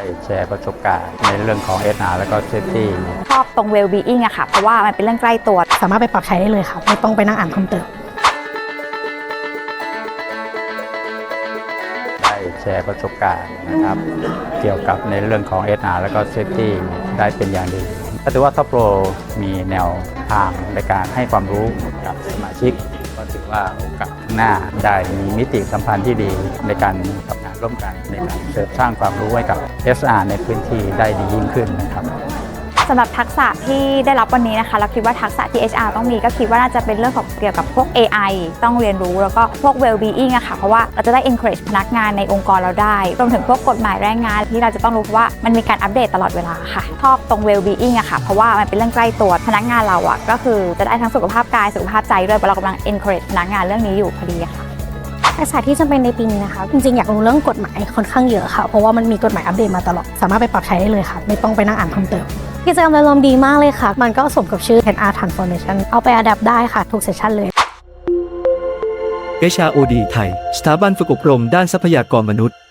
แชร์ประสบการณ์ในเรื่องของ HR แล้วก็ Safety ชอบตรง well-being อะค่ะเพราะว่ามันเป็นเรื่องใกล้ตัวสามารถไปปรับใช้ได้เลยค่ะไม่ต้องไปนั่งอ่านเพิ่มเติมได้แชร์ประสบการณ์นะครับเกี่ยวกับในเรื่องของ HR แล้วก็ Safety ได้เป็นอย่างดีก็ถือว่าท็อปโปรมีแนวทางในการให้ความรู้กับสมาชิกก็ถือว่าโอกาสหน้าได้มีมิติสัมพันธ์ที่ดีในการทำงานร่วมกันในการเสริมสร้างความรู้ให้กับ HR ในพื้นที่ได้ดียิ่งขึ้นนะครับสำหรับทักษะที่ได้รับวันนี้นะคะเราคิดว่าทักษะที่ HR ต้องมีก็คิดว่าน่าจะเป็นเรื่องของเกี่ยวกับพวก AI ต้องเรียนรู้แล้วก็พวก well-being อะค่ะเพราะว่าเราจะได้ encourage พนักงานในองค์กรเราได้รวมถึงพวกกฎหมายแรงงานที่เราจะต้องรู้เพราะว่ามันมีการอัปเดตตลอดเวลาค่ะชอบตรง well-being อะค่ะเพราะว่ามันเป็นเรื่องใกล้ตัวพนักงานเราอะก็คือจะได้ทั้งสุขภาพกายสุขภาพใจด้วยเพราะเรากำลัง encourage พนักงานเรื่องนี้อยู่พอดีค่ะทักษะที่จำเป็นในปีนี้นะคะจริงๆอยากรู้เรื่องกฎหมายค่อนข้างเยอะค่ะเพราะว่ามันมีกฎหมายอัปเดตมาตลอดสามารถไปปรับใช้ได้เลยค่ะไม่ต้องไปนั่งอ่านเพิ่มเติมกิจกรรมอารมณ์ดีมากเลยค่ะมันก็สมกับชื่อ HR Transformation เอาไปอัดแอปได้ค่ะทุกเซสชั่นเลย HROD ไทยสถาบันฝึกอบรมด้านทรัพยากรมนุษย์